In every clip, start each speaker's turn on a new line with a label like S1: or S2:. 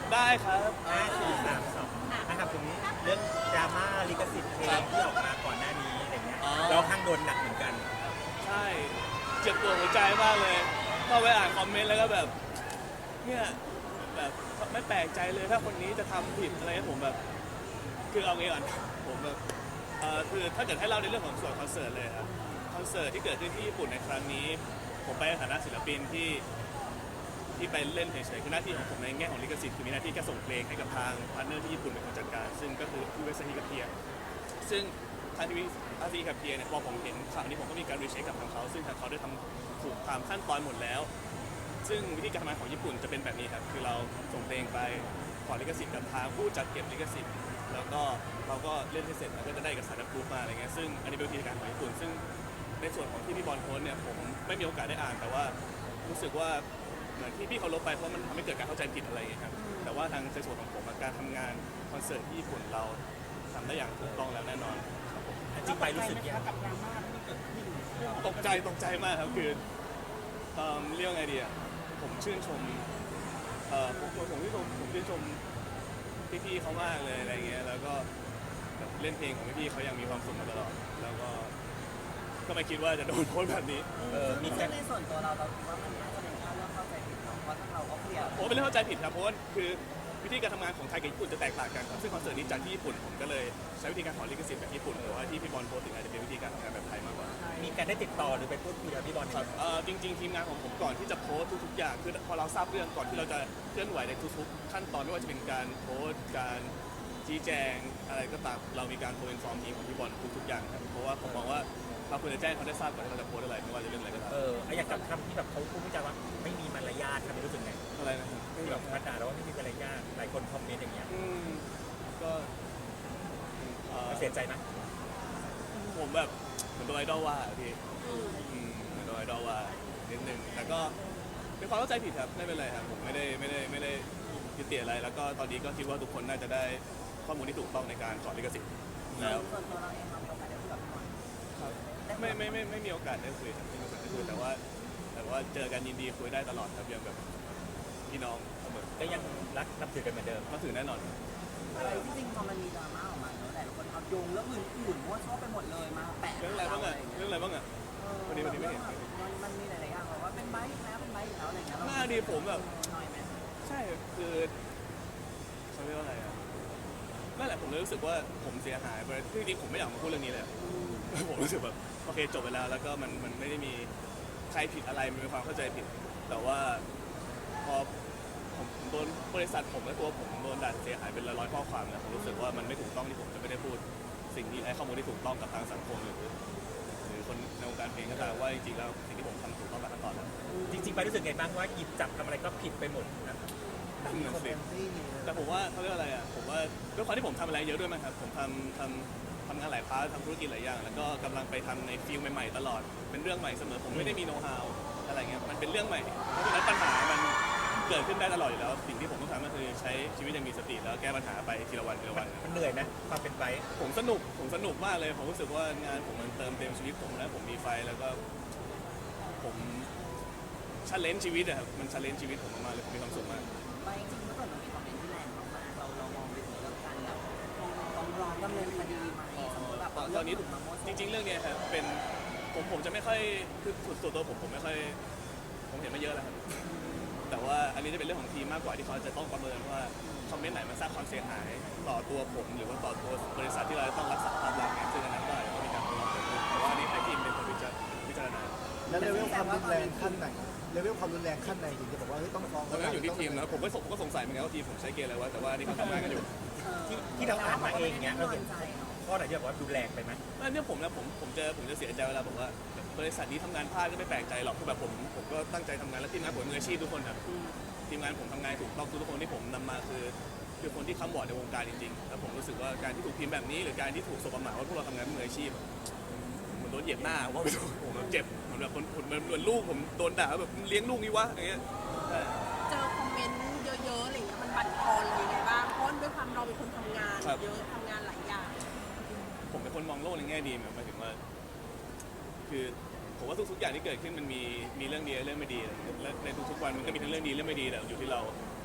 S1: ได้ครับ
S2: 5 4 3 2นะครับตรงนี้เรื่องดราม่าลิขสิทธิ์เพลงที่ออกมาก่อนหน้านี้อะไรเงี้ย
S1: อ๋อ
S2: เราข้างโดนหนักเหมือนกัน
S1: ใช่เจ็บปวดหัวใจมากเลยเข้าไปอ่านคอมเมนต์แล้วก็แบบเนี่ยแบบไม่แปลกใจเลยถ้าคนนี้จะทำผิดอะไรผมแบบคือเอางี้ก่อนผมแบบคือถ้าเกิดให้เล่าในเรื่องของส่วนคอนเสิร์ตเลยครับคอนเสิร์ตที่เกิดขึ้นที่ญี่ปุ่นในครั้งนี้ผมไปในฐานะศิลปินที่ไปเล่นเฉยๆคือหน้าที่ของผมในแง่ของลิขสิทธิ์คือมีหน้าที่แค่ส่งเพลงให้กับทางพาร์ทเนอร์ที่ญี่ปุ่นเป็นคนจัดการซึ่งก็คือที่เวสต์ฮิกับเพียซึ่งทางทีวีอาซีกับเพียเนี่ยพอผมเห็นข่าวนี้ผมก็มีการรีเช็คกับทางเขาซึ่งทางเขาได้ทำถูกตามขั้นตอนหมดแล้วซึ่งวิธีการทำงานของญี่ปุ่นจะเป็นแบบนี้ครับคือเราส่งเพลงไปขอลิขสิทธิ์กับทางผู้จัดเก็บลิขสิทธิ์แล้วก็เราก็เล่นให้เสร็จแล้วก็จะได้เอกสารรับรู้มาอะไรเงี้ยซึ่งอันนี้เป็นวิธีการของญี่ปุ่นซึ่งในส่วนของที่พี่บอลโพสเนี่ยผมไม่มีโอกาสได้อ่านแต่ว่ารู้สึกว่าเหมือนที่พี่เขาลบไปเพราะมันทำให้เกิดการเข้าใจผิดอะไรอย่างเงี้ยครับแต่ว่าทางในส่วนของผมการทำงานคอนเสิร์ตที่ญี่ปุ่นเราทำได้อย่างถูกต้องแล้วแน่นอนครับผม
S2: จริงไปรู้สึกยังไง
S3: กับดราม่าที่เกิดขึ้น
S1: ตกใจมากครับคือเรียกว่าไงดีอ่ะผมชื่นชมผมชื่นชมพี่ๆเขามากเลยอะไรเงี้ยแล้วก็แบบเล่นเพลงของพี่ๆเขายังมีความสุขมาตลอดแล้วก็ไม่คิดว่าจะโดนโพสต์แบบนี้
S2: มี
S3: ซึ่
S2: กาง ร
S3: ในส่วนตัวเราคิดว่ามันน่าจะเป็นแค่เรื่องเข้าใจผิดเนาะเพราะถ้าเราก็เคลียร์
S1: ผมเป็นเรื่องเข้าใจผิดครับเพราะว่าคือวิธีการทำงานของไทยกับญี่ปุ่นจะแตกต่างกันครับซึ่งคอนเสิร์ตนี้จัดที่ญี่ปุ่นผมก็เลยใช้วิธีการขอลิขสิทธิ์แบบญี่ปุ่นแต่ว่าที่พี่บอลโพสต์ถึงอาจจะเป็นวิธีการทำงานแบบไทยมากกว่า
S2: มีการได้ติดต่อหรือไปพูดคุยกับพี่บอล
S1: ครับจริงๆทีมงานของผมก่อนที่จะโพสต์ทุกๆอย่างคือพอเราทราบเรื่องก่อนที่เราจะเคลื่อนไหวในทุกๆขั้นตอนไม่ว่าจะเป็นการโพสต์การชี้แจงอะไรก็ตามเรามีการโทรอินฟอร์มทีมของพี่บอลทุกๆอย่างครับเพราะว่าผมมองว่าเราควรจะแจ้งเขาได้ทราบก่อนที่เราจะโพสต์อะไรไม่ว่าจะเรื่องอะไรก็ตาม
S2: อยากกับคำที่แบบเขาพูดวิจารณ์ว่าไม่มีมารยาททำให้รู้สึกไง
S1: อะไรนะครับ
S2: ที่แบบมาด่าเราว่าไม่มีมารยาทหลายคนคอมเมนต์อย่างเงี้ย
S1: ก็
S2: เสียใจไหม
S1: ผมแบบเหมือนโดนไอดอลว่าอะพี่เหมือนโดนไอดอลว่านิดนึงแต่ก็เป็นความเข้าใจผิดครับไม่เป็นไรครับผมไม่ได้ยึดติดอะไรแล้วก็ตอนนี้ก็คิดว่าทุกคนน่าจะได้ข้อมูลที่ถูกต้องในการขอลิขสิทธิ์แล้ว
S3: ส่วนตัวเราเองเรามีโอกาสได้คุยกับพี่บอล
S1: ไม่มีโอกาสได้คุยครับไม่มีโอกาสได้คุยแต่ว่าเจอกันยินดีคุยได้ตลอดครับยังแบบพี่น้องเสมอ
S2: ก็ยังรักนับถือกันเหมือนเดิม
S1: ก็ถือแน่นอน
S3: จริงๆพอมันมีดราม่าออกมาเนอะหลายคนเอาโยงเรื่องอื่นๆมั่วซั่วไปหมดเลยมาแปะ
S1: เรื่องอะไรบ้างอ่ะเรื่องอะไรบ้างอ่ะ วันนี้ไม่เห็น
S3: มันมีหลายๆอย่างแบบว่าเป็นไบค์อีกแล้วเป็นไบค์อีกแล้วอะไรอย่างเงี้ย
S1: หน้าดีผมแบบ
S3: น้อยไหม
S1: ใช่คือเขาเรียกว่าอะไรอ่ะนั่นแหละผมเลยรู้สึกว่าผมเสียหายไปจริงๆผมไม่อยากมาพูดเรื่องนี้เลยอะผมรู้สึกแบบโอเคจบไปแล้วแล้วก็มันไม่ได้มีใครผิดอะไรมันเป็นความเข้าใจผิด แต่ว่าพอผมโดนบริษัทผมและตัวผมโดนด่าเสียหายเป็นร้อยๆข้อความนะผมรู้สึกว่ามันไม่ถูกต้องที่ผมจะไม่ได้พูดสิ่งที่ให้ข้อมูลที่ถูกต้องกับทางสังคมหรือคนในวงการเพลงก็ตามว่าจริงๆแล้วสิ่งที่ผมทำถูกต้องตามขั้นตอนแล้ว
S2: จริงๆไปรู้สึกไงบ้างว่าหยิบจับทำอะไรก็ผิดไปหมดนะ
S1: นั่นน่ะสิแต่ผมว่าเขาเรียกว่าอะไรอ่ะผมว่าด้วยความที่ผมทำอะไรเยอะด้วยมั้งครับผมทำงานหลายพาร์ททำธุรกิจหลายอย่างแล้วก็กำลังไปทำในฟิลใหม่ๆตลอดเป็นเรื่องใหม่เสมอผมไม่ได้มีโน้ตฮาวอะไรเงี้ยมันเป็นเรื่องใหม่เพราะฉะนั้นปัญหามันเกิดขึ้นได้ตลอดอยู่แล้วสิ่งที่ผมต้องทำก็คือใช้ชีวิตอย่างมีสติแล้วแก้ปัญหาไปทีละวันทีละวัน
S2: มันเหนื่อยไหมความเป็นไป
S1: ผมสนุกมากเลยผมรู้สึกว่างานผมมันเติมเต็มชีวิตผมแล้วผมมีไฟแล้วก็ผมชันเลนชีวิตอะครับมันชันเลนชีวิตผมมากๆเลยผมมีความสุขมาก
S3: ไม่จริงๆเมื่อก่อนมันมีคอมเมนต์ที่แรงมากๆเรามองไปถึงเรื่องการแบบฟ้องร้องดำเนินคดีไหมสมมติแบบ
S1: ตอนนี้จริงๆเรื่องเนี้ยครับเป็นผมจะไม่ค่อยคือส่วนตัวผมไม่ค่อยผมเห็นมาเยอะแล้วครับแต่ว่าอันนี้จะเป็นเรื่องของทีมมากกว่าที่เขาจะต้องประเมินว่าคอมเมนต์ไหนมันสร้างความเสียหายต่อตัวผมหรือว่าต่อตัวบริษัทที่เราต้องรักษาภาพลักษณ์เนี่ยซึ่งอันนั้นก็อาจจะต้องมีการตรวจสอบแต่ว่าอันนี้ให้ทีมเป็นคนพิจารณา
S4: แล้วเลเวลความรุนแรงขั้นไหนเลเวลความรุนแรงขั้นไหนถึงจะบอกว่าเฮ้ยต้องฟ้อง
S1: ตอนนั้นอยู่ที่ทีมนะผมก็สงสัยเหมือนกันว่าทีมผมใช้เกณฑ์อะไรวะแต่ว่านี่เขาทำงานกันอยู่
S2: ที่เราอ่านมาเองเนี้ยเราเห็น
S3: ใจเนาะ
S2: ข้อไหนที่แบบว่าดูแรงไปไหม
S1: แล้วเนี่ยผมจะเสียใจเวลาบอกว่าบริษัทนี้ทำงานพลาดก็ไม่แปลกใจหรอกคือแบบผมก็ตั้งใจทำงานแล้วทีมงานผมมืออาชีพทุกคนครับทีมงานผมทำงานถูกต้องทุกคนที่ผมนำมาคือคนที่ค้ำบอร์ดในวงการจริงๆแต่ผมรู้สึกว่าการที่ถูกพิมพ์แบบนี้หรือการที่ถูกสบประมาทว่าพวกเราทำงานมืออาชีพเหมือนโดนเหยียบหน้าว่าไม่ถูกผมเจ็บเหมือนแบบคนเหมือนลูกผมโดนด่าแบบเลี้ยงลูกนี่วะอย่างเงี้ย
S5: เจอคอมเมนต์เยอะๆอะไรเงี้ยมันบั่นทอนเรายังไงบ้างเพราะด้วยความเราเป็นคนทำงานเยอะทำงานหลายอย่าง
S1: ผมเป็นคนมองโลกในแง่ดีหมายถึงว่าคือผมว่าทุกๆอย่างที่เกิดขึ้นมันมีเรื่องดีและเรื่องไม่ดีและในทุกๆวันมันก็มีทั้งเรื่องดีเรื่องไม่ดีแต่อยู่ที่เรา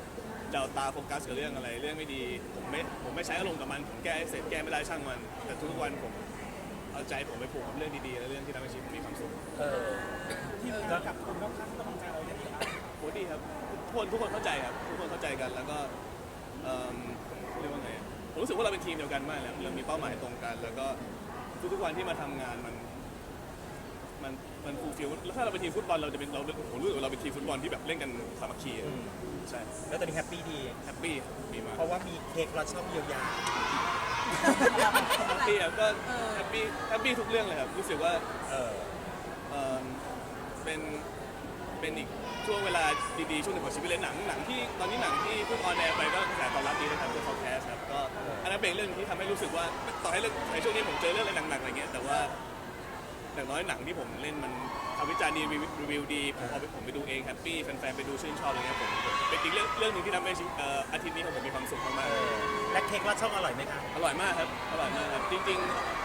S1: จะเอาตาโฟกัสกับเรื่องอะไรเรื่องไม่ดีผมไม่ใช้อารมณ์กับมันผมแก้ให้เสร็จแก้ไม่ได้ช่างมัน แต่ทุกวันผมเอาใจผมไปผูกกับเรื่องดีๆและเรื่องที่ทำให้ชีวิตผมมีความสุข
S2: ที่เรากับคนรอบข้างกำลังใจเราได้ดีครับ
S1: โหดีครับทุกคนเข้าใจครับทุกคนเข้าใจกันแล้วก็เรียกว่าไงอะผมรู้สึกว่าเราเป็นทีมเดียวกันมากเลยเรามีเป้าหมายตรงกัน แล้วก็ทุกๆวันที่มาทำงานมันฟูลฟิลแล้วถ้าเราเป็นทีมฟุตบอลเราจะเป็นผมรู้สึกว่าเราเป็นทีมฟุตบอลที่แบบเล่นกันสามัคคีอะใช่
S2: แล้วตอนนี้แฮปปี้ดี
S1: แฮปปี้มีมาก
S2: เพราะว่ามีเค้กเราชอบเยียวยา
S1: แฮปปี้ครับก็แฮปปี้ทุกเรื่องเลยครับรู้สึกว่า
S2: เออ
S1: เป็นอีกช่วงเวลาดีๆช่วงหนึ่งของชีวิตเลยหนังที่ตอนนี้หนังที่เพิ่งออนแอร์ไปก็กระแสตอบรับดีนะครับเรื่อง Podcast ครับก็อันนั้นเป็นเรื่องที่ทำให้รู้สึกว่าต่อให้เรื่องในช่วงนี้ผมเจอเรื่องอะไรหนักๆอะไรเงี้ยแต่ว่าอย่างน้อยหนังที่ผมเล่นมันทำวิจารณ์ดีรีวิวดีผมไปดูเองแฮปปี้แฟนๆไปดูชื่นชอบอะไรเงี้ยผมเป็นอีกเรื่องหนึ่งที่ทำให้อาทิตย์นี้ของผมมีความสุขมากๆ
S2: และเค้กเราชอบอร่อยไหมคะ
S1: อร่อยมากครับ อร่อยมากครับ จริง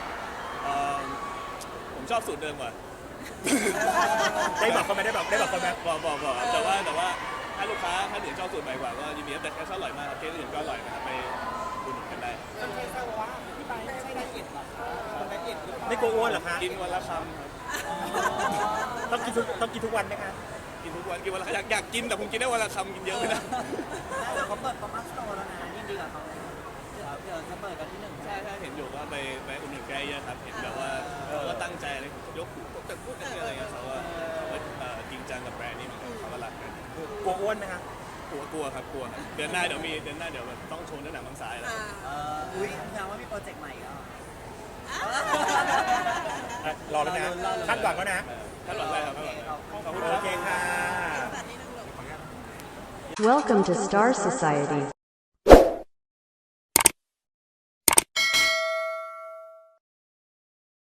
S1: ๆผมชอบสูตรเดิมกว่า
S2: ได้บอกเขาไหมได้บอกเขาไหม
S1: บอกแต่ว่าถ้าลูกค้าถ้าอื่นชอบสูตรใหม่กว่าก็ยินดีครับแต่แค่ชอบอร่อยมากครับเค้กอื่นก็อร่อยนะครับไปอุดหนุนกันได้
S2: ไม่กลัวอ้วนเหรอคะ
S1: กินวันละคำครับ
S2: ต้องกินทุกวันไหมคะ
S1: กินทุกวันกินวันละอยากกินแต่ผมกินได้วันละคำกินเยอะไม่ได้
S3: แต่เขาเปิดปั๊มอัพสโตร์แล้วนะยินดีกับเขาเลยเดี๋ยวจะเปิดกันที่1
S1: ใช่เห็นอยู่ว่าไปอุดหนุนแกเยอะครับเห็นแบบว่าเขาก็ตั้งใจเลยยกหูแต่พูดอะไรเงี้ยเขาว่าจริงจังกับแบรนด์นี้เหมือนกันเขาก็รักกัน
S2: กลัวอ้วนไหมคะ
S1: กลัวครับเดือนหน้าเดี๋ยวแบบต้องโชว์เนื้อหนังบางสายแล้ว
S3: อุ้ยแสดงว่ามีโปรเจกต์ใหม่ก็
S2: รอแล้วนะคาดหวังแล้วนะ
S1: ท่านหลังได้ครับขอบคุณค
S2: โอ
S1: รับ
S2: เคค่ะ
S5: แต่นี่นึงเลย
S6: Welcome to Star Society.